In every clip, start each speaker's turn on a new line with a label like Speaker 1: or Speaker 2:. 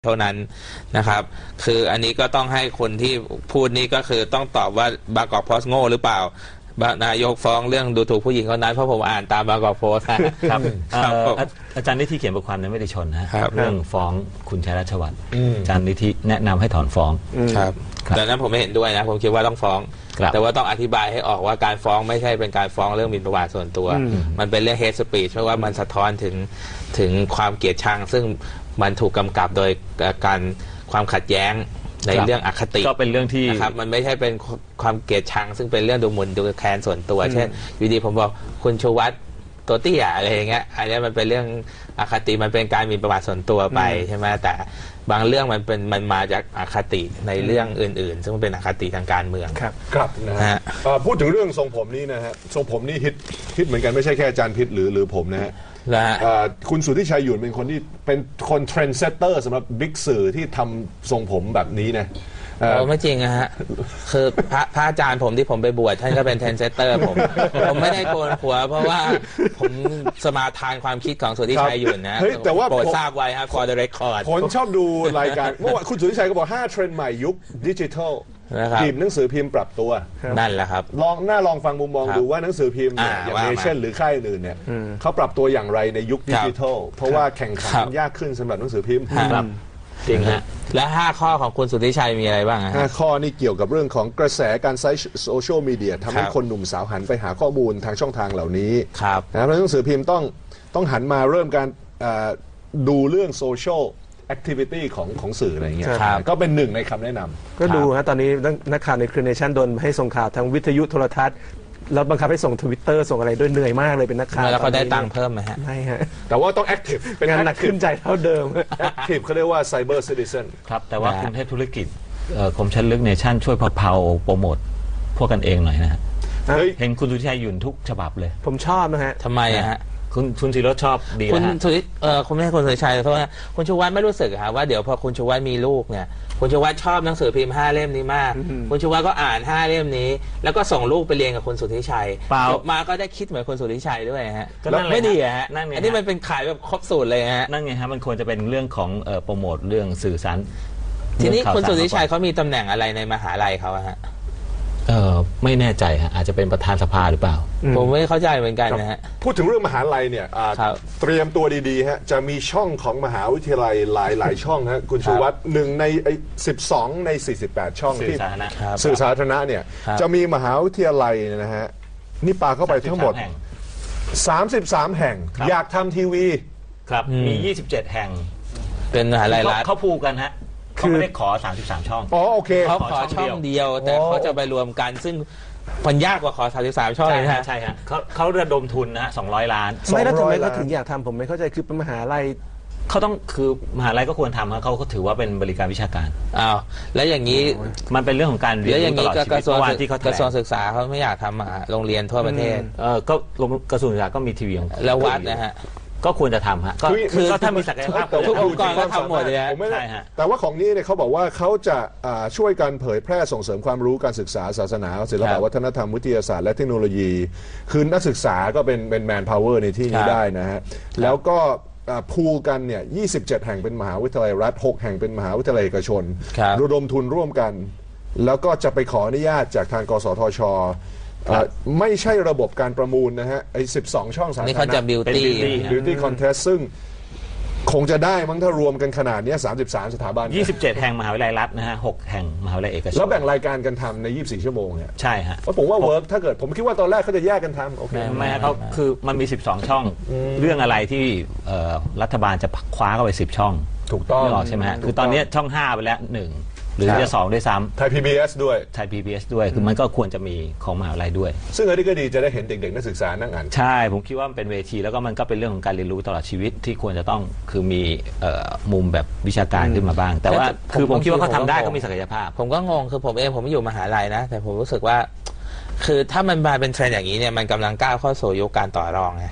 Speaker 1: เท่านั้นนะครับคืออันนี้ก็ต้องให้คนที่พูดนี่ก็คือต้องตอบว่าบางกอกโพสต์โง่หรือเปล่านายกฟ้องเรื่องดูถูกผู้หญิงคนนั้นเพราะผมอ่านตามบางกอกโพสต์ครับ
Speaker 2: อาจารย์นิธิเขียนบทความในไม่ได้ชนนะเรื่องฟ้องคุณชัยรัชวัฒน์อาจารย์นิธิแนะนำให้ถอนฟ้อง
Speaker 1: ครับแต่นั้นผมไม่เห็นด้วยนะผมคิดว่าต้องฟ้องแต่ว่าต้องอธิบายให้ออกว่าการฟ้องไม่ใช่เป็นการฟ้องเรื่องหมิ่นประมาทส่วนตัวมันเป็นเรื่อง hate speech เพราะว่ามันสะท้อนถึงความเกลียดชังซึ่งมันถูกกำกับโดยการความขัดแย้งในเรื่องอคติ
Speaker 2: ก็เป็นเรื่องที่
Speaker 1: นะครับมันไม่ใช่เป็นความเกลียดชังซึ่งเป็นเรื่องดูหมิ่นดูแคลนส่วนตัวเช่นอยู่ดีผมบอกคุณชูวัฒน์ตัวเตี้ยอะไรอย่างเงี้ยอันนี้มันเป็นเรื่องอคติมันเป็นการหมิ่นประมาทส่วนตัวไปใช่ไหมแต่บางเรื่องมันมาจากอคติในเรื่องอื่นๆซึ่งมันเป็นอคติทางการเมือง
Speaker 3: ครับนะฮะพูดถึงเรื่องทรงผมนี้นะฮะทรงผมนี่ฮิตเหมือนกันไม่ใช่แค่อาจารย์พิษหรือผมนะฮะคุณสุทธิชัยหยุ่นเป็นคนที่เป็นคนเทรนด์เซตเตอร์สำหรับบิ๊กสื่อที่ทำทรงผมแบบนี้นะ
Speaker 1: ไม่จริงนะฮะคือพระอาจารย์ผมที่ผมไปบวชท่านก็เป็นเทรนด์เซตเตอร์ผมไม่ได้โกนหัวเพราะว่าผมสมาทานความคิดของสุทธิชัยหยุ่นนะ
Speaker 3: แต่ว่า
Speaker 1: โปรดทราบไว้ครับ for the record
Speaker 3: ผมชอบดูรายการเมื่อวานคุณสุทธิชัยก็บอก5เทรนด์ใหม่ยุคดิจิทัลพิมพ์หนังสือพิมพ์ปรับตัว
Speaker 1: นั่นแหละครับ
Speaker 3: ลองฟังมุมมองดูว่าหนังสือพิมพ์อย่างเนชั่นหรือค่ายอื่นเนี่ยเขาปรับตัวอย่างไรในยุคดิจิทัลเพราะว่าแข่งขันยากขึ้นสำหรับหนังสือพิมพ์
Speaker 1: จริงฮะและ5ข้อของคุณสุทธิชัยมีอะไรบ้าง
Speaker 3: 5ข้อนี่เกี่ยวกับเรื่องของกระแสการใช้โซเชียลมีเดียทำให้คนหนุ่มสาวหันไปหาข้อมูลทางช่องทางเหล่านี้นะครับหนังสือพิมพ์ต้องหันมาเริ่มการดูเรื่องโซเชียลแอคทิวิตี้ของสื่ออะไรอย่างเงี้ยก็เป็นหนึ่งในคำแนะนำ
Speaker 4: ก็ดูฮะตอนนี้นักข่าวในครีเนชั่นโดนให้ส่งข่าวทางวิทยุโทรทัศน์แล้วบังคับให้ส่ง Twitter ส่งอะไรด้วยเหนื่อยมากเลยเป็นนักข่าว
Speaker 1: แล้วเขาได้ตังค์เพิ่มไหมฮะ
Speaker 4: ไม่ฮะ
Speaker 3: แต่ว่าต้องแอคทีฟ
Speaker 4: เป็นงานหนักขึ้นใจเท่าเดิม
Speaker 3: แอคทีฟเขาเรียกว่าไซเบอร์ซิติเซน
Speaker 2: ครับแต่ว่ากรุงเทพธุรกิจคมชัดลึกเนชั่นช่วยเพาโปรโมทพวกกันเองหน่อยนะฮะเห็นคุณสุทธิชัยหยุ่นทุกฉบับเลย
Speaker 4: ผมชอบนะฮะ
Speaker 1: ทำไมฮะ
Speaker 2: คุณศิโรจน์ชอบดีนะ
Speaker 1: คุณสุทธิคุณไม่ใช่คุณสุทธิชัยเพราะว่าคุณชูวัฒน์ไม่รู้สึกว่าเดี๋ยวพอคุณชูวัฒน์มีลูกเนี่ยคุณชูวัฒน์ชอบหนังสือพิมพ์5เล่มนี้มากคุณชูวัฒน์ก็อ่าน5เล่มนี้แล้วก็ส่งลูกไปเรียนกับคุณสุทธิชัยจบมาก็ได้คิดเหมือนคุณสุทธิชัยด้วยฮะไม่ดีฮะอันนี้มันเป็นขายแบบครบสูตรเลยฮะ
Speaker 2: นั่นไงฮะมันควรจะเป็นเรื่องของโปรโมทเรื่องสื่อสาร
Speaker 1: ทีนี้คุณสุทธิชัยเขามีตำแหน่งอะไรในมหาลัยเขาฮะ
Speaker 2: ไม่แน่ใจฮะอาจจะเป็นประธานสภาหรือเปล่า
Speaker 1: ผมไม่เข้าใจเหมือนกันนะฮะ
Speaker 3: พูดถึงเรื่องมหาลัยเนี่ยเตรียมตัวดีๆฮะจะมีช่องของมหาวิทยาลัยหลายช่องฮะคุณชูวัฒน์1ใน12ใน48ช่องที่สื่อสาธารณะเนี่ยจะมีมหาวิทยาลัยนะฮะนี่ปาเข้าไปทั้งหมด33แห่งอยากทำทีวี
Speaker 2: ครับมี27แห่ง
Speaker 1: เป็นมหาลัยรัฐ
Speaker 2: เขาพูดกันฮะเขาไม่ได้ขอ33ช่อง
Speaker 3: โอเค
Speaker 1: เขาขอช่องเดียวแต่เขาจะไปรวมกันซึ่งมันยากกว่าขอ33ช่อง
Speaker 2: เลยฮะใช่ฮะเขาระดมทุนนะ200 ล้าน
Speaker 4: ไม่แล้วทำไมเขาถึงอยากทำผมไม่เข้าใจคือเป็นมหาลัย
Speaker 2: เขาต้องคือมหาลัยก็ควรทำเขาถือว่าเป็นบริการวิชาการ
Speaker 1: แล้วอย่างนี้
Speaker 2: มันเป็นเรื่องของการเรียนรู้ตลอดชีวิต
Speaker 1: เมื่อวานที่เขากระทรวงศึกษาเขาไม่อยากทำโรงเรียนทั่วประเทศ
Speaker 2: ก็กระทรวงศึกษาก็มีทีวี
Speaker 1: แล้ววัดนะฮะ
Speaker 2: ก็ควรจะทำฮะคือถ้ามีศักยภาพ
Speaker 1: ทุกองค์กรก็ทำหมดเลย
Speaker 3: ใช่ฮะแต่ว่าของนี้เนี่ยเขาบอกว่าเขาจะช่วยกันเผยแพร่ส่งเสริมความรู้การศึกษาศาสนาศิลปวัฒนธรรมวิทยาศาสตร์และเทคโนโลยีคือนักศึกษาก็เป็นแมนพาวเวอร์ในที่นี้ได้นะฮะแล้วก็พูลกันเนี่ย27แห่งเป็นมหาวิทยาลัยรัฐ6แห่งเป็นมหาวิทยาลัยเอกชนระดมทุนร่วมกันแล้วก็จะไปขออนุญาตจากทางกสทช.ไม่ใช่ระบบการประมูลนะฮะ12ช่องสาธารณะ
Speaker 1: นี่เขาจะบิว
Speaker 3: ตี้คอนเทสซึ่งคงจะได้มั้งถ้ารวมกันขนาดนี้33สถาบัน
Speaker 2: 27แห่งมหาวิทยาลัยรัฐนะฮะ6แห่งมหาวิทยาลัยเอกชน
Speaker 3: แล้วแบ่งรายการกันทำใน24ชั่วโมงเนี่ย
Speaker 2: ใช่ฮะ
Speaker 3: ผมว่าเวิร์กถ้าเกิดผมคิดว่าตอนแรกเขาจะแยกกันทำโอเค
Speaker 2: ไม่เขาคือมันมี12ช่องเรื่องอะไรที่รัฐบาลจะคว้าเข้าไป10ช่อง
Speaker 3: ถูกต้อง
Speaker 2: ใช่ไหมฮะคือตอนนี้ช่อง5ไปแล้ว1หรือจะ2ด้วยซ้ำ
Speaker 3: ไทย PBS ด้วย
Speaker 2: ไทย PBS ด้วยคือมันก็ควรจะมีของมหาวิทยาลัยด้วย
Speaker 3: ซึ่งอันนี้ก็ดีจะได้เห็นเด็กๆนักศึกษานั่งอ่าน
Speaker 2: ใช่ผมคิดว่ามันเป็นเวทีแล้วก็มันก็เป็นเรื่องของการเรียนรู้ตลอดชีวิตที่ควรจะต้องคือมีมุมแบบวิชาการขึ้นมาบ้างแต่ว่าคือผมคิดว่าเขาทำได้ก็มีศักยภาพ
Speaker 1: ผมก็งงคือผมเองผมไม่อยู่มหาลัยนะแต่ผมรู้สึกว่าคือถ้ามันมาเป็นเทรนด์อย่างนี้เนี่ยมันกำลังก้าวเข้าสู่ยุคการต่อรองไง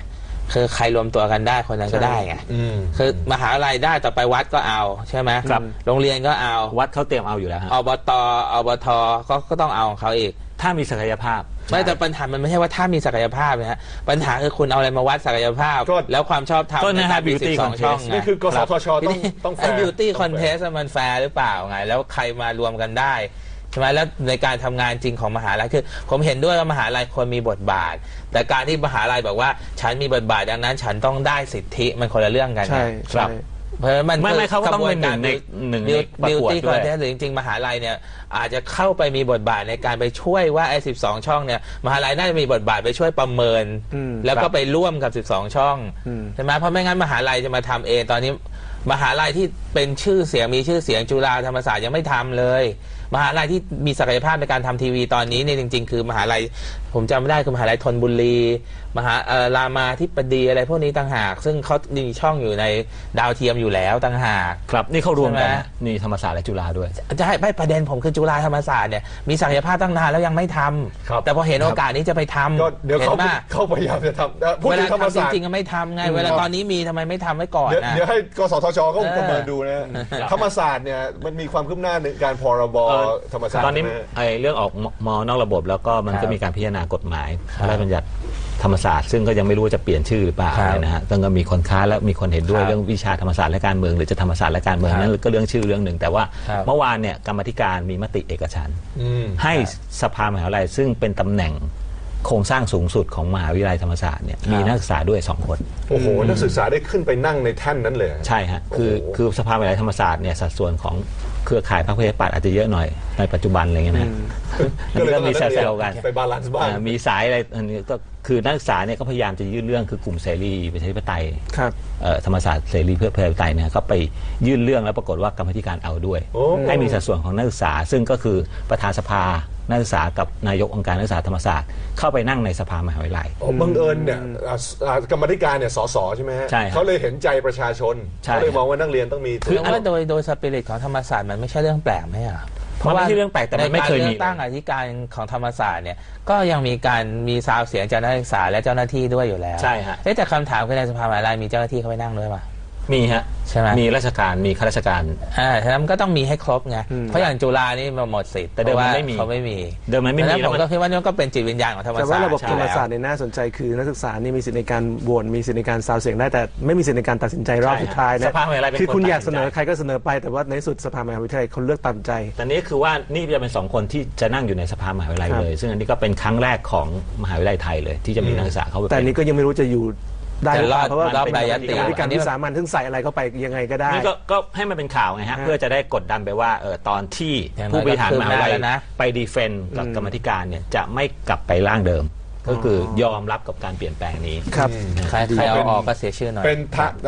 Speaker 1: คือใครรวมตัวกันได้คนนั้นก็ได้ไง คือมหาลัยได้ต่อไปวัดก็เอาใช่ไหม
Speaker 2: ครับ
Speaker 1: โรงเรียนก็เอา
Speaker 2: วัดเขาเตรียมเอาอยู่แล้วฮะ
Speaker 1: อบตอบทก็ต้องเอาของเขาอีก
Speaker 2: ถ้ามีศักยภาพ
Speaker 1: ไม่แต่ปัญหามันไม่ใช่ว่าถ้ามีศักยภาพนะฮะปัญหาคือคุณเอาอะไรมาวัดศักยภาพ
Speaker 3: ก็
Speaker 1: แล้วความชอบธรรม
Speaker 2: ก็นะฮะ
Speaker 1: ในการมี
Speaker 2: beauty
Speaker 1: 12 ช่อง
Speaker 2: contest
Speaker 1: ไง
Speaker 3: นี่คือกสทชต้องแฟ
Speaker 1: ไอ้
Speaker 3: ร์
Speaker 1: beauty contest มันแฟร์หรือเปล่าไงแล้วใครมารวมกันได้ใช่ไหมแล้วในการทำงานจริงของมหาลัยคือผมเห็นด้วยว่ามหาลัยควรมีบทบาท แต่การที่มหาลัยบอกว่าฉันมีบทบาทดังนั้นฉันต้องได้สิทธิมันคนละเรื่องกัน
Speaker 4: ใช่
Speaker 1: ครั
Speaker 4: ใช่
Speaker 1: บเพราะฉะนั้นมัน
Speaker 2: ไม่เขาก็ต้องเป็นหนึ่งในประกวด
Speaker 1: beauty
Speaker 2: ด้วย
Speaker 1: contest หรือจริงๆมหาลัยเนี่ยอาจจะเข้าไปมีบทบาทในการไปช่วยว่าไอ้12 ช่องเนี่ยมหาลัยน่าจะมีบทบาทไปช่วยประเมิน แล้วก็ไปร่วมกับ12 ช่องใช่ไหมเพราะไม่งั้นมหาลัยจะมาทำเองตอนนี้มหาลัยที่เป็นชื่อเสียงมีชื่อเสียงจุฬาธรรมศาสตร์ยังไม่ทำเลย มหาลัยที่มีศักยภาพในการทำทีวีตอนนี้เนี่ยจริงๆคือมหาลัยผมจำไม่ได้คือมหาลัยธนบุรีมหารามาธิบดีอะไรพวกนี้ต่างหากซึ่งเขามีช่องอยู่ในดาวเทียมอยู่แล้วต่างหาก
Speaker 2: ครับนี่เขารวมกัน
Speaker 1: ใช่ไหม
Speaker 2: นะนี่ธรรมศาสตร์และจุฬาด้วย
Speaker 1: จะให้ประเด็นผมคือจุฬาธรรมศาสตร์เนี่ยมีศักยภาพตั้งนานแล้วยังไม่ทำ
Speaker 3: ครับ
Speaker 1: แต่พอเห็นโอกาสนี้จะไปทำ
Speaker 3: ก็เดี๋ยว
Speaker 1: ห็นป่ะ
Speaker 3: เขาพยายามจะทำพูด
Speaker 1: เว
Speaker 3: ถึ
Speaker 1: ลาง
Speaker 3: ธรรม
Speaker 1: ทำจ
Speaker 3: ศาสตร์
Speaker 1: ริงๆก็ไม่ทำไงเวลาตอนนี้มีทำไมไม่ทำไว้ก่อนนะ
Speaker 3: เดี๋ยวให้กสทชก็
Speaker 1: เออ
Speaker 3: ประเมินดูนะธรรมศาสตร์เนี่ยมันมีความคืบหน้าในการพรบธรรมศาสตร์
Speaker 2: ตอนนี้
Speaker 3: ใช่ไหม
Speaker 2: ไอ้เรื่องออกมอนอกระบบแล้วก็มันก็มีการพิจารณากฎหมายพระราชบัญญัติธรรมศาสตร์ซึ่งก็ยังไม่รู้ว่าจะเปลี่ยนชื่อหรือเปล่า
Speaker 1: ครับ
Speaker 2: นะฮะต้องก็มีคนค้านและมีคนเห็นด้วย
Speaker 1: ครับ
Speaker 2: เรื่องวิชาธรรมศาสตร์และการเมืองหรือจะธรรมศาสตร์และการเมือง
Speaker 1: ครับ
Speaker 2: นั่นก็เรื่องชื่อเรื่องหนึ่งแต่ว่า
Speaker 1: ครับ
Speaker 2: เมื่อวานเนี่ยกรรมาธิการมีมติเอกฉันท์
Speaker 3: อืม
Speaker 2: ให้สภามหาวิทยาลัยซึ่งเป็นตำแหน่งโครงสร้างสูงสุดของมหาวิทยาลัยธรรมศาสตร์เนี่ยมีนักศึกษาด้วย2 คน
Speaker 3: โอ้โหนักศึกษาได้ขึ้นไปนั่งในแท่นนั้นเลย
Speaker 2: ใช่ฮะคือสภามหาวิทยาลัยธรรมศาสตร์เนี่ยสัดส่วนของเครือข่ายพรรคประชาธิปัตย์อาจจะเยอะหน่อยในปัจจุบันอะไรเงี้ยนะอันนี้ก็มีแซวๆกัน
Speaker 3: ไปบาลานซ์บ้าง
Speaker 2: มีสายอะไรอันนี้ก็คือนักศึกษาเนี่ยก็พยายามจะยื่นเรื่องคือกลุ่มเสรีประชาธิปไตย
Speaker 4: ครับ
Speaker 2: ธรรมศาสตร์เสรีเพื่อประชาธิปไตยเนี่ยก็ไปยื่นเรื่องแล้วปรากฏว่ากรรมาธิการเอาด้วย
Speaker 3: โอ้
Speaker 2: ให้มีสัดส่วนของนักศึกษา ซึ่งก็คือประธานสภานักศึกษากับนายกองค์การนักศึกษาธรรมศาสตร์เข้าไปนั่งในสภามหาวิทยาลัย
Speaker 3: บังเอิญเนี่ยกรรมาธิการเนี่ยสสใช่ไหมฮะ
Speaker 2: ใช่ครับ
Speaker 3: เขาเลยเห็นใจประชาชน
Speaker 2: ใช่
Speaker 3: เขาเลยมองว่านักเรียนต้องมี
Speaker 1: คือว่าโดยสปิริตของธรรมศาสตร์มันไม่ใช่เรื่องแปลกไหมอ่ะ
Speaker 2: มันไม่ใช่เรื่องแปลกแต่มันไม่เคยมี
Speaker 1: ในการเลือกตั้งอธิการของธรรมศาสตร์เนี่ยก็ยังมีซาวเสียงจากนักศึกษาและเจ้าหน้าที่ด้วยอยู่แล้ว
Speaker 2: ใช่ฮะ
Speaker 1: แต่คำถามคือในสภามหาวิทยาลัยมีเจ้าหน้าที่เข้าไปนั่งด้วยป่ะ
Speaker 2: มีฮะ
Speaker 1: ใช่ไหม
Speaker 2: มีราชการมีข้าราชการ
Speaker 1: ฉะนั้นมันก็ต้องมีให้ครบไงเพราะอย่างจุฬานี่มันหมดสิทธิ์
Speaker 2: แต่เดิมมัน
Speaker 1: พราะว่า
Speaker 2: ไม่มี
Speaker 1: เขาไม่มี
Speaker 2: เดิมมันไม่มี
Speaker 1: ดัง
Speaker 2: แล้ว
Speaker 1: ผม
Speaker 2: มัน
Speaker 1: ก็คิดว่านี่ก็เป็นจิตวิญญาณของธรรม
Speaker 4: แต่
Speaker 1: ศาส
Speaker 4: ว่า
Speaker 1: ตร์
Speaker 4: ระบบธรรมศาสตร์
Speaker 1: ใช่
Speaker 4: เนี่ยน่าสนใจคือนักศึกษานี่มีสิทธิ์ในการโหวตมีสิทธิ์ในการซาวเสียงได้แต่ไม่มีสิทธิ์ในการตัดสินใจรอบ
Speaker 2: ใช่
Speaker 4: สุดท้าย
Speaker 2: ส
Speaker 4: นะ
Speaker 2: ภามหาวิทยาลัยเป็น
Speaker 4: คือคุณ
Speaker 2: คน
Speaker 4: อยาก
Speaker 2: ตัด
Speaker 4: เส
Speaker 2: สิน
Speaker 4: น
Speaker 2: ใจ
Speaker 4: อใครก็เสนอไปแต่ว่าในสุดสภามหาวิทยาลัยเขาเลือกตามใจ
Speaker 2: แต่นี้คือว่านี่จะเป็น2 คนที่จะนั่งอยู่ในสภามหาวิทยาลัย
Speaker 4: ครับ
Speaker 2: เลย ซึ่งอันนี้ก็เป็นครั้งแรกของมหาวิทยาลัยไทยเลย ที่จะมีนักศึกษาเข้าไป
Speaker 4: แต่อันนี้ก็ยังไม่รู้จะอยู่ได้หรือเปล่าเพราะว่า
Speaker 1: รอบรายติ
Speaker 4: กรรมธิการวิสามัญซึ่งใส่อะไรเข้าไปยังไงก็ได้
Speaker 2: นี่ก็ให้มันเป็นข่าวไงฮะ เพื่อจะได้กดดันไปว่าตอนที่
Speaker 1: อย่างน้อย
Speaker 2: ผู้บริหารมหาวิทยาลัย
Speaker 1: ก็คืบหน้าแล้วนะ
Speaker 2: ไปดีเฟนต์กับกรรมาธิการเนี่ยจะไม่กลับไปร่างเดิม ก็คือยอมรับกับการเปลี่ยนแปลงนี้
Speaker 4: ครับ
Speaker 1: ใครเอาออกก็เสียชื่อหน่อย
Speaker 3: เป็น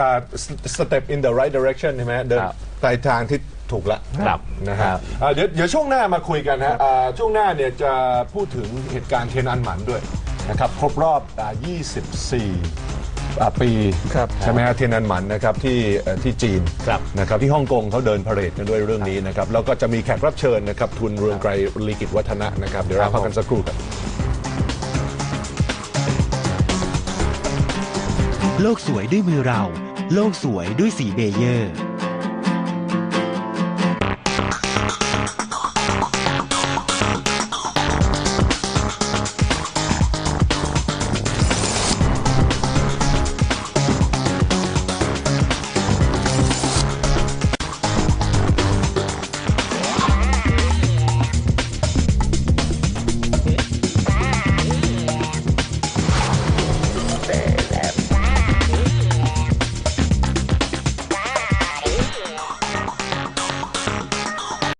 Speaker 3: step in the right direction ใช่ไหมเดิน
Speaker 1: ครับ
Speaker 3: ไปทางที่ถูกละ
Speaker 2: ครับ
Speaker 3: นะ
Speaker 1: ค
Speaker 3: ฮะ
Speaker 1: รับ
Speaker 3: เดี๋ยวช่วงหน้ามาคุยกันนะช่วงหน้าเนี่ยจะพูดถึงเหตุการณ์เทียนอันหมันด้วยนะครับครบรอบ 24 ปี
Speaker 4: ครับ
Speaker 3: ใช่ไหมฮะเทียนอันหมันนะครับที่จีน
Speaker 2: ครับ
Speaker 3: นะครับที่ฮ่องกงเขาเดินพาเหรดกันด้วยเรื่องนี้นะครับแล้วก็จะมีแขกรับเชิญนะครับทุนเรืองไกรลีกิจวัฒนะนะครับเดี๋ยวเราพักกันสักครู่ครับ
Speaker 5: โลกสวยด้วยมือเรา โลกสวยด้วยสีเบเยอร์